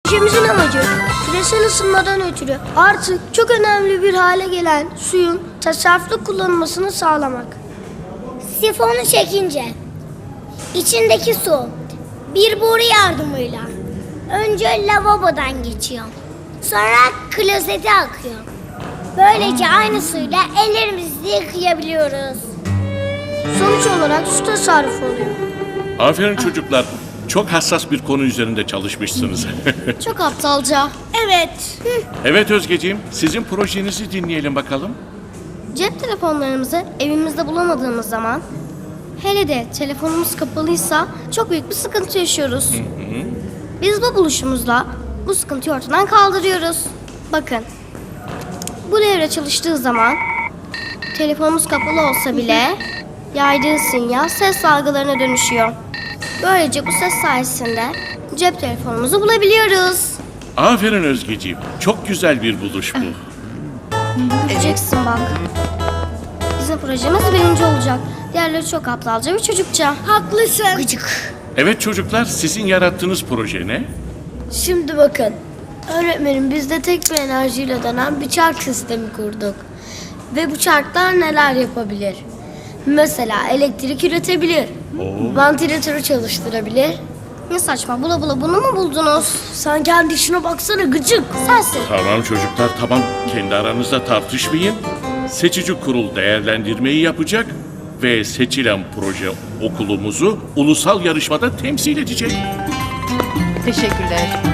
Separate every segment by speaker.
Speaker 1: Projemizin amacı küresel ısınmadan ötürü artık çok önemli bir hale gelen suyun tasarruflu kullanılmasını sağlamak.
Speaker 2: Sifonu çekince içindeki su bir boru yardımıyla önce lavabodan geçiyor. Sonra klozete akıyor. Böylece aynı suyla ellerimizi yıkayabiliyoruz.
Speaker 1: Sonuç olarak su tasarrufu oluyor.
Speaker 3: Aferin çocuklar. Çok hassas bir konu üzerinde çalışmışsınız.
Speaker 1: Çok aptalca.
Speaker 2: Evet.
Speaker 3: Evet Özgeciğim, sizin projenizi dinleyelim bakalım.
Speaker 1: Cep telefonlarımızı evimizde bulamadığımız zaman, hele de telefonumuz kapalıysa çok büyük bir sıkıntı yaşıyoruz. Biz bu buluşumuzla bu sıkıntıyı ortadan kaldırıyoruz. Bakın, bu devre çalıştığı zaman telefonumuz kapalı olsa bile yaydığı sinyal ses dalgalarına dönüşüyor. Böylece bu ses sayesinde cep telefonumuzu bulabiliyoruz.
Speaker 3: Aferin Özgeciğim. Çok güzel bir buluş bu.
Speaker 1: Göreceksin bak. Bizim projemiz birinci olacak. Diğerleri çok aptalca ve çocukça.
Speaker 2: Haklısın.
Speaker 1: Gıcık.
Speaker 3: Evet çocuklar, sizin yarattığınız proje ne?
Speaker 1: Şimdi bakın. Öğretmenim biz de tek bir enerjiyle dönen bir çark sistemi kurduk. Ve bu çarklar neler yapabilir? Mesela elektrik üretebilir. Vantilatörü çalıştırabilir. Ne saçma, bula bula bunu mu buldunuz? Sen kendi işine baksana gıcık. Sensin.
Speaker 3: Tamam çocuklar, tamam. Kendi aranızda tartışmayın. Seçici kurul değerlendirmeyi yapacak ve seçilen proje okulumuzu ulusal yarışmada temsil edecek.
Speaker 4: Teşekkürler.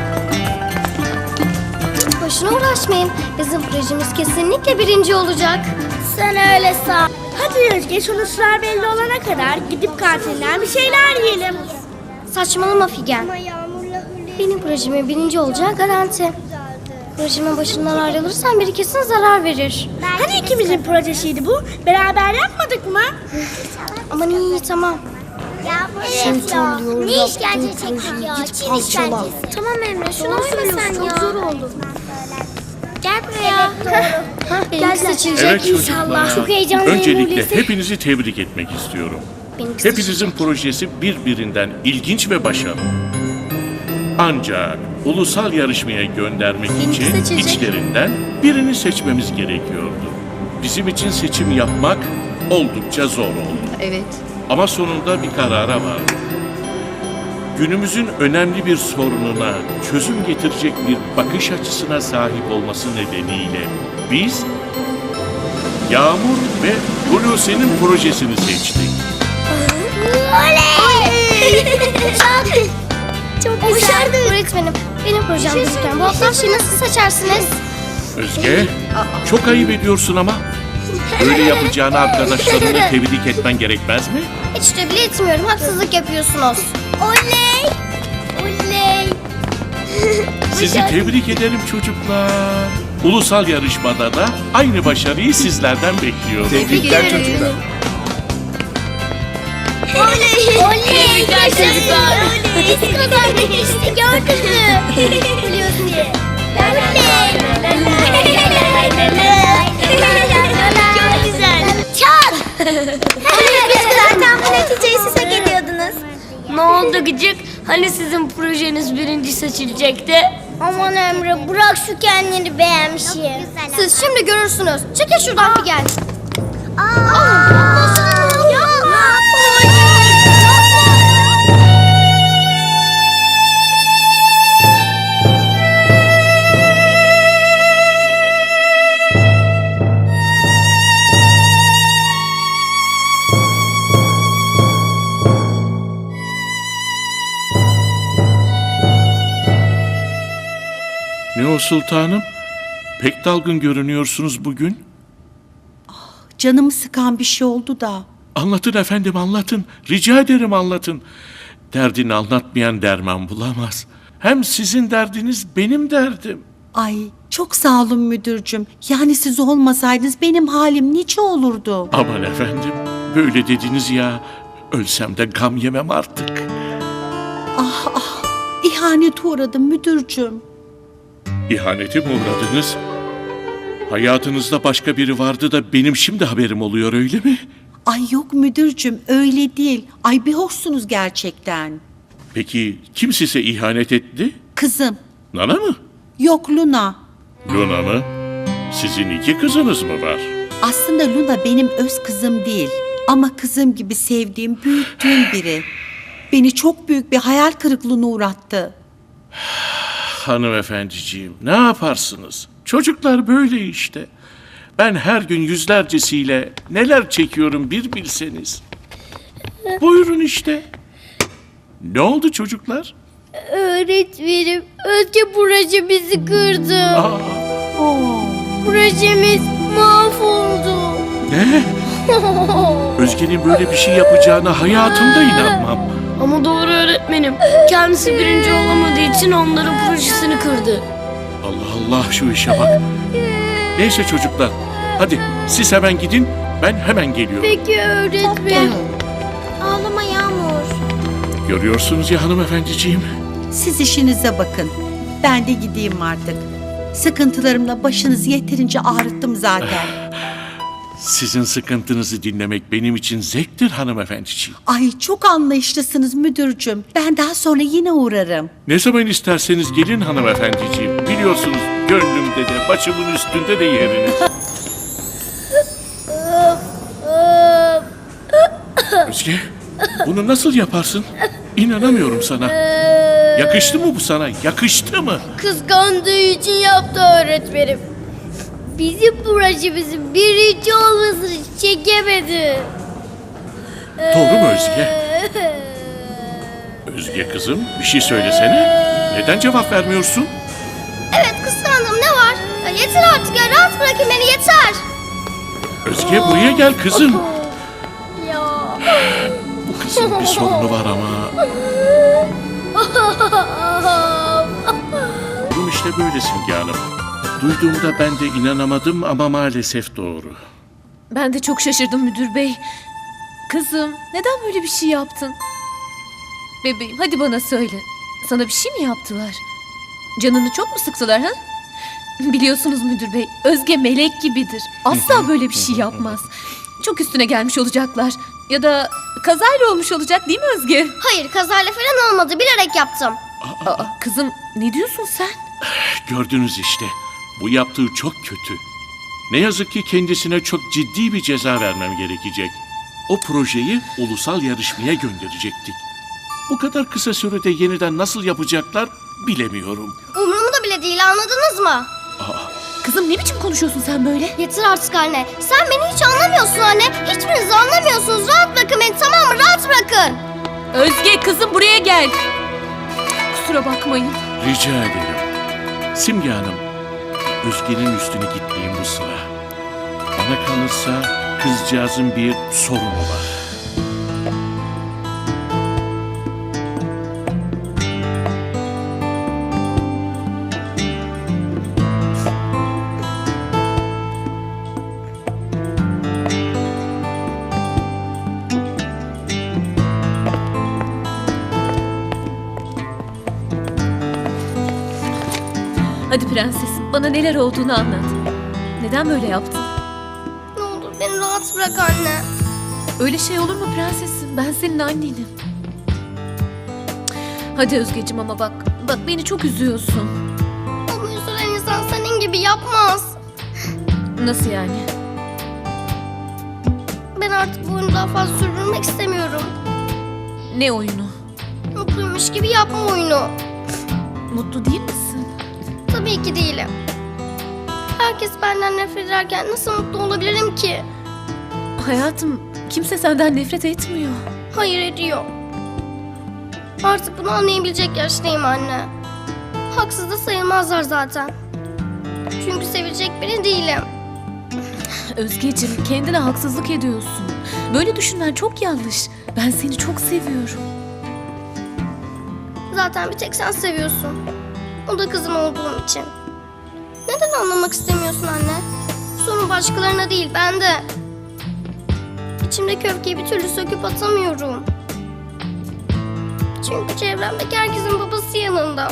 Speaker 1: Boşuna uğraşmayın. Bizim projemiz kesinlikle birinci olacak.
Speaker 2: Sen öyle san. Hadi Özge, sonuçlar belli olana kadar gidip kantinden bir şeyler yiyelim.
Speaker 1: Saçmalama Figen. Benim projemin birinci olacağı garanti. Projemin başından ayrılırsan biri kesin zarar verir.
Speaker 2: Hani ikimizin projesiydi bu? Beraber yapmadık mı?
Speaker 1: Aman iyi tamam.
Speaker 2: Ya evet ya. Ne işkence çektik ya? Çin işkencesi.
Speaker 1: Tamam Emre şunu uyma sen ya. Çok zor oldu.
Speaker 2: Gel buraya.
Speaker 1: Benimki seçilecek
Speaker 3: Evet
Speaker 1: inşallah.
Speaker 3: çocuklar.
Speaker 2: Çok heyecanlıyım
Speaker 3: Öncelikle
Speaker 2: öyleyse.
Speaker 3: hepinizi tebrik etmek istiyorum.
Speaker 1: Benimki
Speaker 3: Hepinizin projesi birbirinden ilginç ve başarılı. Ancak ulusal yarışmaya göndermek için
Speaker 1: seçecek.
Speaker 3: içlerinden birini seçmemiz gerekiyordu. Bizim için seçim yapmak oldukça zor oldu.
Speaker 4: Evet.
Speaker 3: Ama sonunda bir karara vardık. Günümüzün önemli bir sorununa çözüm getirecek bir bakış açısına sahip olması nedeniyle biz Yağmur ve Hulusi'nin projesini seçtik.
Speaker 1: Çok güzel. Öğretmenim benim projem gözüken bu hafta şeyi nasıl seçersiniz?
Speaker 3: Özge, çok ayıp ediyorsun ama. Böyle yapacağını arkadaşlarını tebrik etmen gerekmez mi?
Speaker 1: Hiç de bile etmiyorum. Haksızlık yapıyorsunuz.
Speaker 2: Oley! Oley!
Speaker 3: Sizi tebrik ederim çocuklar. Ulusal yarışmada da aynı başarıyı sizlerden bekliyorum.
Speaker 5: Tebrikler çocuklar.
Speaker 2: Oley! Oley! Yaşasın! Oley! Biz kazandık işte, gördün mü? Biliyorsun diye. Çok güzel. Çal! Biz zaten bu neticeyi siz hak ediyordunuz.
Speaker 1: Ne oldu gıcık? Hani sizin projeniz birinci seçilecekti?
Speaker 2: Aman Emre, bırak şu kendini beğenmişi.
Speaker 1: Siz şimdi görürsünüz. Çekil şuradan bir gel.
Speaker 3: Ne o sultanım? Pek dalgın görünüyorsunuz bugün.
Speaker 4: Canımı sıkan bir şey oldu da.
Speaker 3: Anlatın efendim, anlatın. Rica ederim anlatın. Derdini anlatmayan derman bulamaz. Hem sizin derdiniz benim derdim.
Speaker 4: Ay çok sağ olun müdürcüm. Yani siz olmasaydınız benim halim nice olurdu.
Speaker 3: Aman efendim, böyle dediniz ya. Ölsem de gam yemem artık.
Speaker 4: İhanete uğradım müdürcüm.
Speaker 3: İhanete mi uğradınız? Hayatınızda başka biri vardı da benim şimdi haberim oluyor, öyle mi?
Speaker 4: Ay yok müdürcüm öyle değil. Ay bir hoşsunuz gerçekten.
Speaker 3: Peki kim size ihanet etti?
Speaker 4: Kızım
Speaker 3: Nana mı?
Speaker 4: Yok, Luna.
Speaker 3: Luna mı? Sizin iki kızınız mı var?
Speaker 4: Aslında Luna benim öz kızım değil. Ama kızım gibi sevdiğim, büyüttüğüm biri. Beni çok büyük bir hayal kırıklığına uğrattı.
Speaker 3: Hanımefendiciğim, ne yaparsınız? Çocuklar böyle işte. Ben her gün yüzlercesiyle neler çekiyorum bir bilseniz. Buyurun işte. Ne oldu çocuklar?
Speaker 2: Öğretmenim, Özge projemizi kırdı.
Speaker 3: Aa,
Speaker 2: Projemiz mahvoldu.
Speaker 3: ne? Özge'nin böyle bir şey yapacağına hayatımda inanmam.
Speaker 5: Ama doğru öğretmenim. Kendisi birinci olamadığı için onların projesini kırdı.
Speaker 3: Allah Allah, şu işe bak. Neyse çocuklar, hadi siz hemen gidin, ben hemen geliyorum.
Speaker 2: Peki öğretmenim. Ağlama Yağmur.
Speaker 3: Görüyorsunuz ya hanımefendiciğim.
Speaker 4: Siz işinize bakın. Ben de gideyim artık. Sıkıntılarımla başınızı yeterince ağrıttım zaten.
Speaker 3: Sizin sıkıntınızı dinlemek benim için zevktir hanımefendiciğim.
Speaker 4: Ay, çok anlayışlısınız müdürcüm. Ben daha sonra yine uğrarım.
Speaker 3: Ne zaman isterseniz gelin hanımefendiciğim. Biliyorsunuz gönlümde de başımın üstünde de yeriniz. Özge, bunu nasıl yaparsın? İnanamıyorum sana. Yakıştı mı bu sana? Yakıştı mı?
Speaker 2: Kıskandığı için yaptı öğretmenim. Bizim projemizin birinci olmasını çekemedi.
Speaker 3: Doğru mu Özge? Özge kızım, bir şey söylesene. Neden cevap vermiyorsun?
Speaker 1: Evet, kıskandım, ne var? Ya yeter artık ya, rahat bırakın beni, yeter.
Speaker 3: Özge buraya gel kızım.
Speaker 2: Ya.
Speaker 3: Bu kızın bir sorunu var ama. Durum işte böyle Simge Hanım. Duyduğumda ben de inanamadım ama maalesef doğru.
Speaker 6: Ben de çok şaşırdım müdür bey. Kızım, neden böyle bir şey yaptın? Bebeğim, hadi bana söyle. Sana bir şey mi yaptılar? Canını çok mu sıktılar ha? Biliyorsunuz müdür bey, Özge melek gibidir. Asla böyle bir şey yapmaz. Çok üstüne gelmiş olacaklar. Ya da kazayla olmuş olacak değil mi Özge?
Speaker 1: Hayır, kazayla falan olmadı, bilerek yaptım.
Speaker 6: Aa, kızım, ne diyorsun sen?
Speaker 3: Gördünüz işte. Bu yaptığı çok kötü. Ne yazık ki kendisine çok ciddi bir ceza vermem gerekecek. O projeyi ulusal yarışmaya gönderecektik. Bu kadar kısa sürede yeniden nasıl yapacaklar bilemiyorum.
Speaker 1: Umurumda bile değil, anladınız mı?
Speaker 6: Kızım, ne biçim konuşuyorsun sen böyle?
Speaker 1: Yeter artık anne. Sen beni hiç anlamıyorsun anne. Hiçbiriniz anlamıyorsunuz. Rahat bırakın beni, tamam mı? Rahat bırakın.
Speaker 6: Özge, kızım buraya gel. Kusura bakmayın.
Speaker 3: Rica ederim. Simge Hanım, Özge'nin üstüne gitmeyeyim bu sıra. Bana kalırsa kızcağızın bir sorunu var.
Speaker 6: Hadi prensesim, bana neler olduğunu anlat. Neden böyle yaptın?
Speaker 1: Ne olur beni rahat bırak anne.
Speaker 6: Öyle şey olur mu prensesim? Ben senin annenim. Hadi Özgeciğim, ama bak beni çok üzüyorsun.
Speaker 1: Ama üzülen insan senin gibi yapmaz.
Speaker 6: Nasıl yani?
Speaker 1: Ben artık bu oyunu daha fazla sürdürmek istemiyorum.
Speaker 6: Ne oyunu?
Speaker 1: Mutluymuş gibi yapma oyunu.
Speaker 6: Mutlu değil misin?
Speaker 1: Tabii ki değilim. Herkes benden nefret ederken nasıl mutlu olabilirim ki?
Speaker 6: Hayatım, kimse senden nefret etmiyor.
Speaker 1: Hayır, ediyor. Artık bunu anlayabilecek yaştayım anne. Haksız da sayılmazlar zaten. Çünkü sevecek biri değilim.
Speaker 6: Özgeciğim, kendine haksızlık ediyorsun. Böyle düşünmen çok yanlış. Ben seni çok seviyorum.
Speaker 1: Zaten bir tek sen seviyorsun. O da kızım olduğum için. Neden anlamak istemiyorsun anne? Sorun başkalarına değil, bende. İçimdeki öfkeyi bir türlü söküp atamıyorum. Çünkü çevremdeki herkesin babası yanında.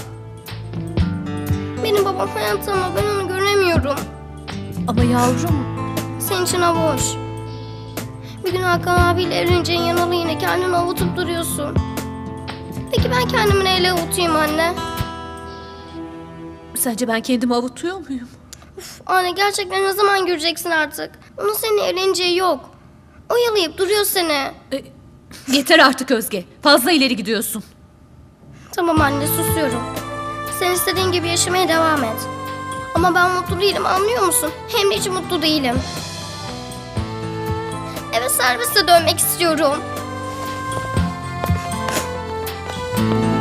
Speaker 1: Benim babam hayatta ama ben onu göremiyorum.
Speaker 6: Ama yavrum,
Speaker 1: Senin için hava hoş. Bir gün Hakan abiyle evleneceğin yanalı yine kendini avutup duruyorsun. Peki ben kendimi neyle avutayım anne?
Speaker 6: Sence ben kendimi avutuyor muyum?
Speaker 1: Anne gerçekten ne zaman göreceksin artık? Onun seninle evleneceği yok. Oyalayıp duruyor seni.
Speaker 6: Yeter artık Özge. Fazla ileri gidiyorsun.
Speaker 1: Tamam anne susuyorum. Sen istediğin gibi yaşamaya devam et. Ama ben mutlu değilim anlıyor musun? Hem de hiç mutlu değilim. Eve serviste dönmek istiyorum.